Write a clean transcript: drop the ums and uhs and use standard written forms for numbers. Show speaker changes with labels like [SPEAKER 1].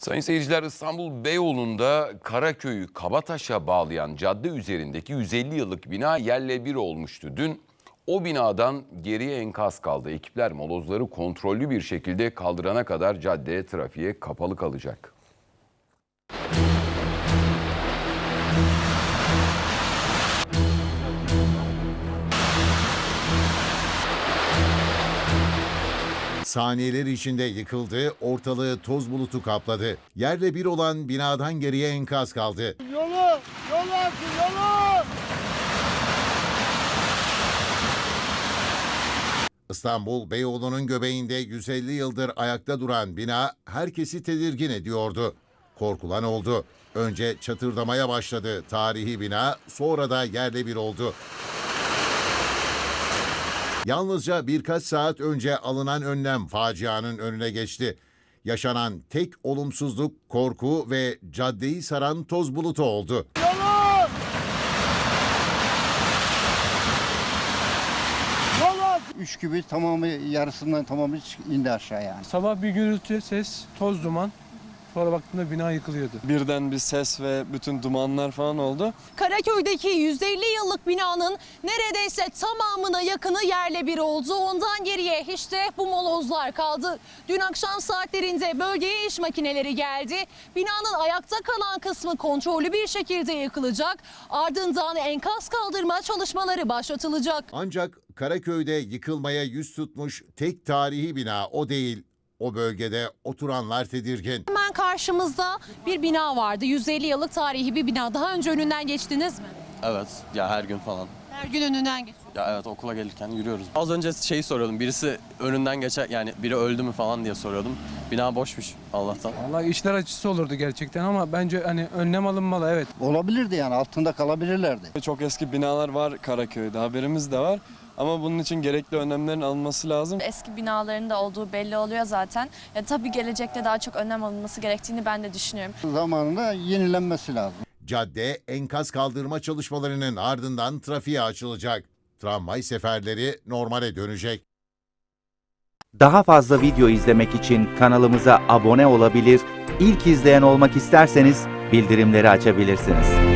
[SPEAKER 1] Sayın seyirciler, İstanbul Beyoğlu'nda Karaköy'ü Kabataş'a bağlayan cadde üzerindeki 150 yıllık bina yerle bir olmuştu. Dün o binadan geriye enkaz kaldı. Ekipler molozları kontrollü bir şekilde kaldırana kadar cadde trafiğe kapalı kalacak.
[SPEAKER 2] Saniyeler içinde yıkıldı, ortalığı toz bulutu kapladı. Yerle bir olan binadan geriye enkaz kaldı.
[SPEAKER 3] Yolu açın, yolu!
[SPEAKER 2] İstanbul Beyoğlu'nun göbeğinde 150 yıldır ayakta duran bina herkesi tedirgin ediyordu. Korkulan oldu. Önce çatırdamaya başladı tarihi bina, sonra da yerle bir oldu. Yalnızca birkaç saat önce alınan önlem facianın önüne geçti. Yaşanan tek olumsuzluk korku ve caddeyi saran toz bulutu oldu.
[SPEAKER 3] Yolu! Üç gibi tamamı, yarısından tamamı indi aşağı yani.
[SPEAKER 4] Sabah bir gürültü, ses, toz, duman. Sonra baktığımda bina yıkılıyordu.
[SPEAKER 5] Birden bir ses ve bütün dumanlar falan oldu.
[SPEAKER 6] Karaköy'deki 150 yıllık binanın neredeyse tamamına yakını yerle bir oldu. Ondan geriye işte bu molozlar kaldı. Dün akşam saatlerinde bölgeye iş makineleri geldi. Binanın ayakta kalan kısmı kontrollü bir şekilde yıkılacak. Ardından enkaz kaldırma çalışmaları başlatılacak.
[SPEAKER 2] Ancak Karaköy'de yıkılmaya yüz tutmuş tek tarihi bina o değil. O bölgede oturanlar tedirgin.
[SPEAKER 6] Hemen karşımızda bir bina vardı. 150 yıllık tarihi bir bina. Daha önce önünden geçtiniz mi?
[SPEAKER 5] Evet, ya her gün falan.
[SPEAKER 6] Her gün önünden geçiyor.
[SPEAKER 5] Ya evet, okula gelirken yürüyoruz. Az önce şeyi soruyordum, birisi önünden geçer, yani biri öldü mü falan diye soruyordum. Bina boşmuş Allah'tan.
[SPEAKER 4] Vallahi işler acısı olurdu gerçekten ama bence hani önlem alınmalı, evet.
[SPEAKER 3] Olabilirdi yani, altında kalabilirlerdi.
[SPEAKER 5] Çok eski binalar var Karaköy'de, haberimiz de var. Ama bunun için gerekli önlemlerin alınması lazım.
[SPEAKER 7] Eski binaların da olduğu belli oluyor zaten. Tabii gelecekte daha çok önlem alınması gerektiğini ben de düşünüyorum.
[SPEAKER 3] Zamanında yenilenmesi lazım.
[SPEAKER 2] Cadde enkaz kaldırma çalışmalarının ardından trafiğe açılacak. Tramvay seferleri normale dönecek.
[SPEAKER 8] Daha fazla video izlemek için kanalımıza abone olabilir, ilk izleyen olmak isterseniz bildirimleri açabilirsiniz.